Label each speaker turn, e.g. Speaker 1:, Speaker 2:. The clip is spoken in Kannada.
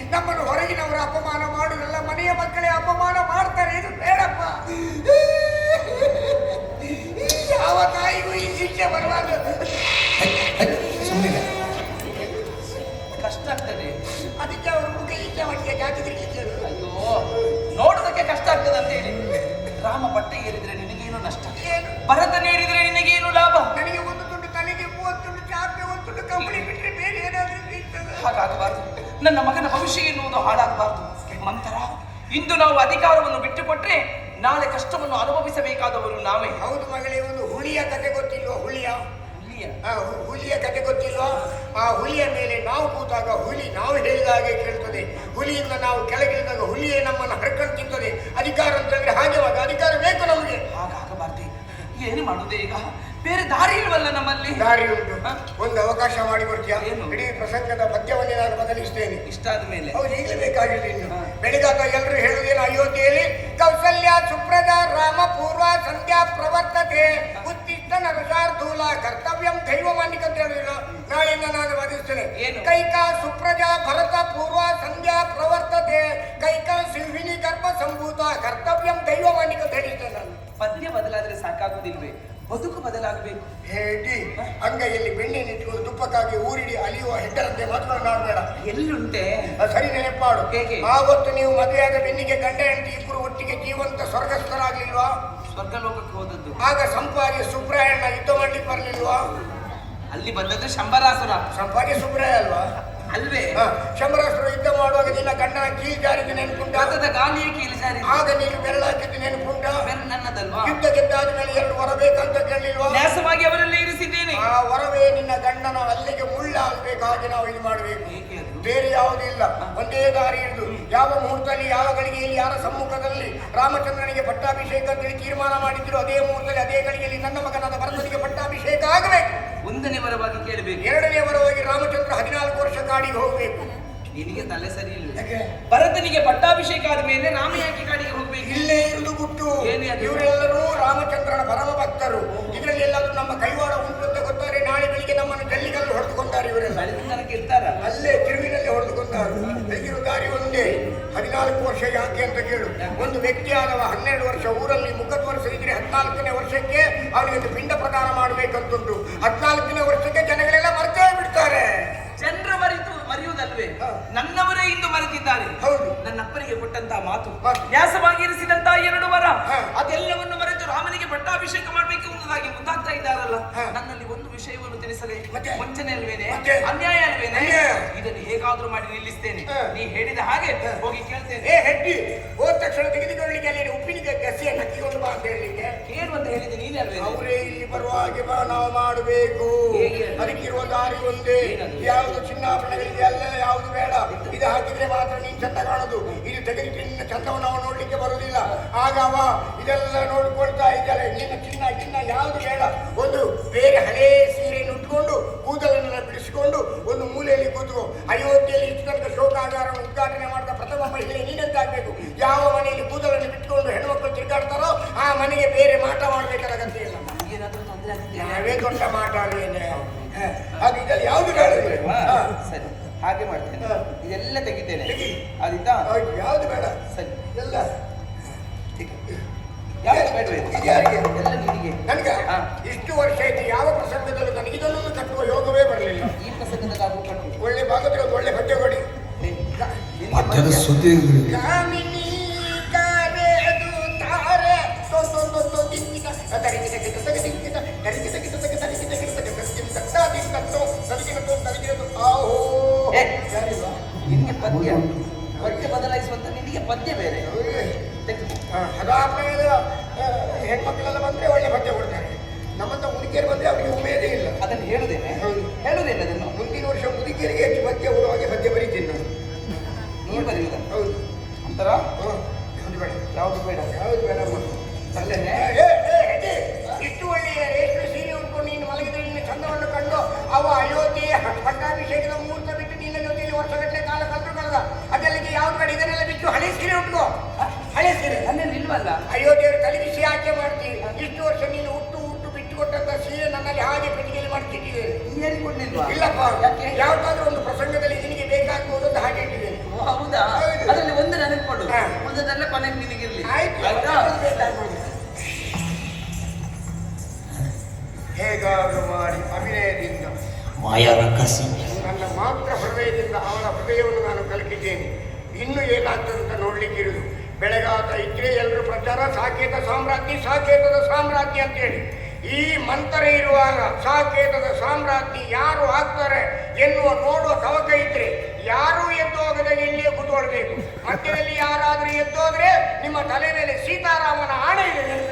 Speaker 1: ನಮ್ಮನ್ನು ಹೊರಗಿನವರು ಅಪಮಾನ ಮಾಡುವುದಲ್ಲ, ಮನೆಯ ಮಕ್ಕಳೇ ಅಪಮಾನ ಮಾಡ್ತಾರೆ. ಇದು ಬೇಡಪ್ಪ. ಯಾವ ತಾಯಿಗೂ ಈ ಶಿಕ್ಷೆ ಬರಬಾರ್ದು.
Speaker 2: ಸುಮ್ಮನೆ
Speaker 3: ಕಷ್ಟ ಆಗ್ತದೆ.
Speaker 1: ಅದಕ್ಕೆ ಅವರು ಮುಖ ಈಚೆ ಮಟ್ಟಿಗೆ ಜಾತಿ ತಿರುಗಿದ್ರು.
Speaker 3: ಅಯ್ಯೋ, ನೋಡೋದಕ್ಕೆ ಕಷ್ಟ ಆಗ್ತದೆ ಅಂತ ಹೇಳಿ ರಾಮ ಬಟ್ಟೆ ಏರಿದ್ರೆ ನಿನಗೇನು ನಷ್ಟ,
Speaker 1: ಏನು
Speaker 3: ಭರತನೇರಿದ್ರೆ ನಿನಗೇನು ಲಾಭ?
Speaker 1: ನನಗೆ ಒಂದು ತುಂಡು ತಲೆಗೆ 30 ತುಂಡು ಚಾಪೆ, ಒಂದು ತುಂಡು ಕಂಬಳಿ ಬಿಟ್ಟರೆ ಬೇರೆ ಏನಾದ್ರೂ ಇರ್ತದೆ.
Speaker 3: ಹಾಗಾಗಬಾರ್ದು. ನನ್ನ ಮಗನ ಭವಿಷ್ಯ ಎನ್ನುವುದು ಹಾಳಾಗಬಾರ್ದು. ಮಂತರ, ಇಂದು ನಾವು ಅಧಿಕಾರವನ್ನು ಬಿಟ್ಟುಕೊಟ್ರೆ ನಾಳೆ ಕಷ್ಟವನ್ನು ಅನುಭವಿಸಬೇಕಾದವರು ನಾವೇ.
Speaker 1: ಹೌದು ಮಗಳೇ, ಒಂದು ಹುಲಿಯ ಕತೆ ಗೊತ್ತಿಲ್ವಾ? ಹುಲಿಯ ಕತೆ ಗೊತ್ತಿಲ್ವಾ? ಆ ಹುಲಿಯ ಮೇಲೆ ನಾವು ಕೂತಾಗ ಹುಲಿ ನಾವು ಹೇಳಿದ ಹಾಗೆ ಕೇಳ್ತದೆ. ಹುಲಿಯಿಂದ ನಾವು ಕೆಳಗಿಳಿದಾಗ ಹುಲಿಯೇ ನಮ್ಮನ್ನು ಹರ್ಕೊಂಡು ತಿಂತದೆ. ಅಧಿಕಾರ ಅಂತಂದ್ರೆ ಹಾಗೆ, ಅಧಿಕಾರ ಬೇಕು ನಮಗೆ.
Speaker 3: ಹಾಗಾಗಬಾರ್ದು. ಏನು ಮಾಡುದೇ ಈಗ? ಬೇರೆ ದಾರಿ ಇಲ್ವಲ್ಲ ನಮ್ಮಲ್ಲಿ?
Speaker 1: ದಾರಿ ಉಂಟು. ಒಂದು ಅವಕಾಶ ಮಾಡಿ ಕೊಡ್ತೀಯಾ?
Speaker 3: ಏನು?
Speaker 1: ಇಡೀ ಪ್ರಸಂಗದ ಪದ್ಯವನ್ನೇ ನಾನು ಬದಲಿಸ್ತೇನೆ.
Speaker 3: ಇಷ್ಟಾದ ಮೇಲೆ
Speaker 1: ಹೌದು, ಈಗಲೇ ಬೇಕಾಗಿಲ್ಲ. ಇನ್ನು ಬೆಳಿಗಾತ ಎಲ್ಲರೂ ಹೇಳುವುದೇನು? ಅಯೋಧ್ಯೆಯಲ್ಲಿ ಕೌಸಲ್ಯ ಸುಪ್ರದ ರಾಮ ಪೂರ್ವ ಸಂಧ್ಯಾ ಪ್ರವರ್ತತೆ ಉತ್ತಿಷ್ಟ ನರಸಾರ್ಥೂಲ ಕರ್ತವ್ಯಂ ದೈವಮಾನಿಕ ಅಂತ ಹೇಳಿಲ್ಲ. ನಾಳೆಯಿಂದ ನಾನು ವಾದಿಸ್ತೇನೆ. ಕೈಕಾ ಸುಪ್ರಜಾ ಭರತ ಪೂರ್ವ ಸಂಧ್ಯಾ ಪ್ರವರ್ತತೆ ಕೈಕಾ ಸಿಂಹಿನಿ ಗರ್ಭ ಸಂಭೂತ ಕರ್ತವ್ಯಂ ದೈವಮಾನಿಕ ಅಂತ ಹೇಳಿಸ್ತೇನೆ ನಾನು.
Speaker 3: ಪದ್ಯ ಬದಲಾದ್ರೆ ಸಾಕಾಗುವುದಿಲ್ವೇ? ಬದುಕು ಬದಲಾಗಬೇಕು.
Speaker 1: ಹೇಳಿ ಅಂಗೈಯಲ್ಲಿ ಬೆಣ್ಣೆನಿಟ್ಟುಕೊಂಡು ತುಪ್ಪಕ್ಕಾಗಿ ಊರಿಡಿ ಅಲಿಯುವ ಹೆಡ್ಡರಂತೆ ಮಾತನಾಡಬೇಡ.
Speaker 3: ಎಲ್ಲುಂಟೆ
Speaker 1: ಸರಿ ನೆನಪಾಡು.
Speaker 3: ಹೇಗೆ?
Speaker 1: ಆವತ್ತು ನೀವು ಮದುವೆಯಾದ ಬೆನ್ನಿಗೆ ಗಂಡ ಹೆಂಡತಿ ಇಬ್ಬರು ಒಟ್ಟಿಗೆ ಜೀವಂತ ಸ್ವರ್ಗಸ್ಥರಾಗ್ಲಿಲ್ವಾ?
Speaker 3: ಸ್ವರ್ಗಲೋಕಕ್ಕೆ ಹೋದದ್ದು.
Speaker 1: ಆಗ ಸಂಪಾದಿ ಸುಬ್ರಾಯಣ್ಣ ಯುದ್ಧ ಮಾಡ್ಲಿಕ್ಕೆ ಬರ್ಲಿಲ್ವಾ?
Speaker 3: ಅಲ್ಲಿ ಬಂದದ್ದು ಶಂಬರಾಸುರ.
Speaker 1: ಸಂಪಾದಿ ಸುಬ್ರಾಯ ಅಲ್ವಾ?
Speaker 3: ಅಲ್ವೇ?
Speaker 1: ಶಂಬರಾಸುರ ಯುದ್ಧ ಮಾಡುವಾಗ ನಿನ್ನ ಗಂಡನ ಕೀಲ್ ಜಾರಿದ ನೆನಪುಂಟ?
Speaker 3: ಗಾಳಿಯ ಕೀಲು ಜಾರಿ.
Speaker 1: ಆಗ ನೀನು ಬೆರಳಾಕಿದ್ದ ನೆನಪುಂಟ?
Speaker 3: ನನ್ನದಲ್ವಾ?
Speaker 1: ಯುದ್ಧ ಗೆದ್ದಾದ ಮೇಲೆ 2 ವರ ಬೇಕಂತ ಕೇಳಲಿಲ್ವಾ?
Speaker 3: ನ್ಯಾಸವಾಗಿ ಅವರಲ್ಲೇ ಇರಿಸಿದ್ದೇನೆ.
Speaker 1: ಆ ವರವೇ ನಿನ್ನ ಗಂಡನ ಅಲ್ಲಿಗೆ ಮುಳ್ಳಾಗಬೇಕು. ಹಾಗೆ ನಾವು ಇದು ಮಾಡಬೇಕು. ಬೇರೆ ಯಾವುದೂ ಇಲ್ಲ. ಒಂದೇ ದಾರಿ ಇರುದು. ಯಾವ ಮುಹೂರ್ತದಲ್ಲಿ, ಯಾವ ಗಳಿಗೆಯಲ್ಲಿ, ಯಾರ ಸಮ್ಮುಖದಲ್ಲಿ ರಾಮಚಂದ್ರನಿಗೆ ಪಟ್ಟಾಭಿಷೇಕ ಅಂತೇಳಿ ತೀರ್ಮಾನ ಮಾಡಿದ್ರು, ಅದೇ ಮುಹೂರ್ತದಲ್ಲಿ, ಅದೇ ಗಳಿಗೆಯಲ್ಲಿ ನನ್ನ ಮಗನಾದ ಭರತನಿಗೆ ಪಟ್ಟಾಭಿಷೇಕ ಆಗಬೇಕು.
Speaker 3: 1ನೇ ವರವಾಗಿ ಕೇಳಬೇಕು.
Speaker 1: 2ನೇ ವರವಾಗಿ ರಾಮಚಂದ್ರ 14 ವರ್ಷ ಕಾಡಿಗೆ ಹೋಗ್ಬೇಕು.
Speaker 3: ನಿನಗೆ ತಲೆ ಸರಿ ಇಲ್ಲ. ಭರತನಿಗೆ ಪಟ್ಟಾಭಿಷೇಕ ಆದ ಮೇಲೆ ರಾಮ ಯಾಕೆ ಕಾಡಿಗೆ ಹೋಗ್ಬೇಕು?
Speaker 1: ಇಲ್ಲೇ ಇರುವುದು ಗುಟ್ಟು. ಇವರೆಲ್ಲರೂ ರಾಮಚಂದ್ರನ ಪರಮ ಭಕ್ತರು. ಇದರಲ್ಲಿ ಎಲ್ಲಾದ್ರೂ ನಮ್ಮ ಕೈವಾಡ ಉಂಟು ಅಂತ ಗೊತ್ತಾರೆ. ನಾಳೆ ಬೆಳಿಗ್ಗೆ ನಮ್ಮನ್ನು ಜಲ್ಲಿಗಲ್ಲು ಹೊಡೆದುಕೊಂಡಾರೆ ಇವರೆಲ್ಲ. ಅಲ್ಲೇ ತಿರುವಿನಲ್ಲಿ ಹೊಡೆದುಕೊಂಡಾರು. ಬೆಳಗಿರೋ ದಾರಿ ಒಂದೇ. 14 ವರ್ಷ ಯಾಕೆ ಅಂತ ಕೇಳು. ಒಂದು ವ್ಯಕ್ತಿ ಆದವ 12 ವರ್ಷ ಊರಲ್ಲಿ ಮುಖದ್ವರ್ಷ ಇದ್ರೆ 14ನೇ ವರ್ಷಕ್ಕೆ ಅವನಿಗೆ ಪಿಂಡ ಪ್ರದಾನ ಮಾಡಬೇಕಂತುಂಟು. 14ನೇ ವರ್ಷಕ್ಕೆ ಜನಗಳೆಲ್ಲ ಮರ್ತೇ ಬಿಡ್ತಾರೆ.
Speaker 3: ಜನರ ಮರೆಯುವುದಲ್ವೇ? ನನ್ನವರೇ ಇಂದು ಮರೆತಿದ್ದಾರೆ.
Speaker 1: ಹೌದು,
Speaker 3: ನನ್ನಪ್ಪನಿಗೆ ಕೊಟ್ಟಂತಹ ಮಾತು, ನ್ಯಾಸವಾಗಿ ಇರಿಸಿದಂತಹ 2 ವರ, ಅದೆಲ್ಲವನ್ನು ಮರೆತು ರಾಮನಿಗೆ ಪಟ್ಟಾಭಿಷೇಕ ಮಾಡಬೇಕು ಎಂಬುದಾಗಿ ಮುಂದಾಗ್ತಾ ಇದ್ದಾರಲ್ಲ. ನನ್ನಲ್ಲಿ ಒಂದು ವಿಷಯವನ್ನು ತಿಳಿಸಲೇ ವಂಚನೆ ಅಲ್ವೇನೆ? ಅನ್ಯಾಯ ಅಲ್ವೇನೆ? ಇದನ್ನು ಹೇಗಾದ್ರೂ ಮಾಡಿ ನಿಲ್ಲಿಸ್ತೇನೆ. ನೀ ಹೇಳಿದ ಹಾಗೆ ಹೋಗಿ ಕೇಳ್ತೇನೆ.
Speaker 1: ಹೆಡ್ಡಿ ಹೋದ ತಕ್ಷಣ ತೆಗೆದುಕೊಳ್ಳಿಕ್ಕೆ ಅಲ್ಲಿ ಉಪ್ಪಿನ ಗಸಿಯನ್ನು ಹಚ್ಚಿಕೊಂಡು ಬಾ ಅಂತ ಹೇಳಲಿಕ್ಕೆ
Speaker 3: ಏನು ಅಂತ ಹೇಳಿದೆ ನೀನೇ ಅಲ್ವೇ?
Speaker 1: ಅವರೇ ಇಲ್ಲಿ ಬರುವ ಹಾಗೆ ಬಾ, ನಾವು ಮಾಡಬೇಕು. ಅದಕ್ಕಿರುವ ದಾರಿ ಒಂದೇ. ಯಾವುದು ಚಿನ್ನಾಭರಣಗಳಿಗೆ ಅಲ್ಲ, ಯಾವುದು ಬೇಡ. ಇದು ಹಾಕಿದ್ರೆ ಮಾತ್ರ ನೀನ್ ಚಂದ ಕಾಣೋದು. ಇದು ತೆಗೆದಿಟ್ಟು ನಿನ್ನ ಚಂದವನ್ನು ನಾವು ನೋಡ್ಲಿಕ್ಕೆ ಬರುವುದಿಲ್ಲ. ಆಗ ಅವ ಇದೆಲ್ಲ ನೋಡ್ಕೊಳ್ತಾ ಇದ್ದಾರೆ. ನಿನ್ನ ಚಿನ್ನ ಯಾವುದು ಬೇಡ. ಒಂದು ಬೇರೆ ಹಳೇ ಸೀರೆಯನ್ನು ಉಟ್ಕೊಂಡು ಕೂದಲನ್ನೆಲ್ಲ ಬಿಡಿಸಿಕೊಂಡು ಒಂದು ಮೂಲೆಯಲ್ಲಿ ಕೂತ್ಕೋ. ಅಯೋಧ್ಯೆಯಲ್ಲಿ ಇಷ್ಟು ತನಕ ಶೋಕಾಗಾರವನ್ನು ಉದ್ಘಾಟನೆ ಮಾಡಿದ ಪ್ರಥಮ ಮಹಿಳೆ ನೀನಂತಾಗಬೇಕು. ಯಾವ ಮನೆಯಲ್ಲಿ ಕೂದಲನ್ನು ಬಿಟ್ಕೊಂಡು ಹೆಣ್ಮಕ್ಳು ತಿರುಗಾಡ್ತಾರೋ ಆ ಮನೆಗೆ ಬೇರೆ ಮಾಟ ಮಾಡಬೇಕಾದ ಅಗತ್ಯ ಇಲ್ಲ. ನಾವೇ ದೊಡ್ಡ ಮಾಟ ಅಲ್ಲೇನೆ. ಹಾಗೆ ಇದರಲ್ಲಿ ಯಾವುದು ಬೇಡ.
Speaker 3: ಸರಿ, ಹಾಗೆ ಮಾಡ್ತೇನೆ. ಇದೆಲ್ಲ ತೆಗಿತೇನೆ. ಆದಿತ್ತಾ?
Speaker 1: ಯಾವುದು ಬೇಡ.
Speaker 3: ಸರಿ,
Speaker 1: ಎಲ್ಲ
Speaker 3: ಯಾವುದು ಬೇಡವೇ? ಎಲ್ಲ ನಿನಗೆ.
Speaker 1: ನನಗೆ ಇಷ್ಟು ವರ್ಷ ಆಯ್ತು ಯಾವ ಪ್ರಸಂಗದಲ್ಲೂ ನನಗೆ ಇದನ್ನು ಕಟ್ಟುವ ಯೋಗವೇ ಬರಲಿಲ್ಲ.
Speaker 3: ಈ ಪ್ರಸಂಗದಲ್ಲಿ ಕಟ್ಟು.
Speaker 1: ಒಳ್ಳೆ ಭಾಗದಲ್ಲಿ ಒಂದು ಒಳ್ಳೆ ಪದ್ಯ ಕೊಡಿ.
Speaker 2: ಪದ್ಯದ ಸುದ್ದಿ
Speaker 1: ಕಾಮಿನಿ ಕಾವೇದು ತಾರೆ ಸೊಸೊಸೊಸೊ ದಿಕ್ಕಿತ ತರಿಗಿತ ಕಿತ ತರಿಗಿತ ತರಿಗಿತ ಕಿತ ತರಿಗಿತ ತರಿಗಿತ ಕಿತ ತರಿಗಿತ ತರಿಗಿತ ಆಹೋ.
Speaker 3: ನಿನಗೆ ಪದ್ಯ ಬದಲಾಯಿಸುವಂತ ನಿನಗೆ ಪದ್ಯ ಬೇರೆ.
Speaker 1: ಹದಾಪ್ರಾಯದ ಹೆಣ್ಮಕ್ಳೆಲ್ಲ ಬಂದ್ರೆ ಒಳ್ಳೆ ಪದ್ಯ ಕೊಡ್ತಾರೆ. ನಮ್ಮಂತ ಮುದುಕಿಯರು ಬಂದ್ರೆ ಅವರಿಗೆ ಉಮೇದೇ ಇಲ್ಲ.
Speaker 3: ಅದನ್ನು ಹೇಳುದೇನೆ. ಹೇಳುದಿಲ್ಲ ಅದನ್ನು.
Speaker 1: ಮುಂದಿನ ವರ್ಷ ಮುದುಕಿಯರಿಗೆ ಹೆಚ್ಚು ಪದ್ಯ ಕೊಡುವ ಹಾಗೆ ಪದ್ಯ ಬರೀತೀನಿ ನಾನು.
Speaker 3: ನೀವು ಬರೆಯುವುದ?
Speaker 1: ಹೌದು.
Speaker 3: ಅಂತರ
Speaker 1: ಯಾವುದು ಬೇಡ.
Speaker 3: ಯಾವುದು ಬೇಡ?
Speaker 1: ಯಾವುದು ಬೇಡಮ್ಮ.
Speaker 3: ಅಲ್ಲೇನೆ
Speaker 1: ಇಷ್ಟು ಒಳ್ಳೆಯ ರೇಷ್ಮೆ ಸೀರೆ ಉಟ್ಕೊಂಡು ನೀನು ಮಲಗಿದ್ರೆ ನಿನ್ನ ಚಂದವನ್ನು ಕಂಡು ಅವ ಅಯೋಧ್ಯೆಯ ಪಟ್ಟಾಭಿಷೇಕದ ಮುಹೂರ್ತ ಬಿಟ್ಟು ನಿನ್ನ ಜೊತೆಯಲ್ಲಿ ವರ್ಷಗಟ್ಟಲೆ ಕಾಲ ಕಳೆದ ಅದೆಲ್ಲಿಗೆ ಯಾವ್ದು ಬೇಡ. ಇದನ್ನೆಲ್ಲ ಬಿಟ್ಟು ಹಳೆ ಸೀರೆ ಉಟ್ಕೋ. ಹಳೆ ಸೀರೆ
Speaker 3: ನನ್ನಲ್ಲಿ ಇಲ್ವಲ್ಲ.
Speaker 1: ಅಯೋಧ್ಯೆಯವರು ತಲೆಬಿಸಿ ಆಕೆ ಮಾಡ್ತೀವಿ. ಇಷ್ಟು ವರ್ಷ ನೀನು ಹುಟ್ಟು ಬಿಟ್ಟು ಕೊಟ್ಟಂತ ಸೀರೆ ನನ್ನಲ್ಲಿ ಹಾಗೆ ಪೆಟ್ಟಿಗೆಯಲ್ಲಿ ಮಾಡ್ತಿಟ್ಟಿದ್ದೇನೆ.
Speaker 3: ಹೇಳಿಕೊಡ್ಲಿಲ್ವಾ?
Speaker 1: ಇಲ್ಲಪ್ಪ, ಯಾವ್ದಾದ್ರೂ ಒಂದು ಪ್ರಸಂಗದಲ್ಲಿ ನಿನಗೆ ಬೇಕಾಗ್ಬೋದು ಅಂತ ಹಾಗೆ ಇಟ್ಟಿದ್ದೇನೆ.
Speaker 3: ಬಂದದೆಲ್ಲ ಕೊನೆಗೆ ನಿನಗಿರ್ಲಿ
Speaker 1: ಆಯ್ತು.
Speaker 3: ಆಯ್ತಾ
Speaker 1: ಹೇಗಾದರೂ ಮಾಡಿ ಅಭಿನಯದಿಂದ
Speaker 2: ಮಾಯಾರ ಕಸಿ
Speaker 1: ನನ್ನ ಮಾತ್ರ ಹೃದಯದಿಂದ ಅವಳ ಹೃದಯವನ್ನು ನಾನು ಕಲಿತಿದ್ದೇನೆ. ಇನ್ನು ಏನಾಗ್ತದೆ ಅಂತ ನೋಡ್ಲಿಕ್ಕಿರುವುದು. ಬೆಳಗಾತ ಇದ್ರೆ ಎಲ್ಲರೂ ಪ್ರಚಾರ ಸಾಕೇತ ಸಾಮ್ರಾಜ್ಞಿ ಸಾಕೇತದ ಸಾಮ್ರಾಜ್ಞಿ ಅಂತೇಳಿ. ಈ ಮಂತ್ರ ಇರುವಾಗ ಸಾಕೇತದ ಸಾಮ್ರಾಜ್ಞಿ ಯಾರು ಆಗ್ತಾರೆ ಎನ್ನುವ ನೋಡುವ ತವಕ ಇದ್ರೆ ಯಾರೂ ಎದ್ದೋಗದೆ ಇಲ್ಲಿಯೇ ಕೂತ್ಕೊಳ್ಬೇಕು. ಮಧ್ಯದಲ್ಲಿ ಯಾರಾದರೂ ಎದ್ದೋದ್ರೆ ನಿಮ್ಮ ತಲೆ ಮೇಲೆ ಸೀತಾರಾಮನ ಆಣೆ ಇದೆ.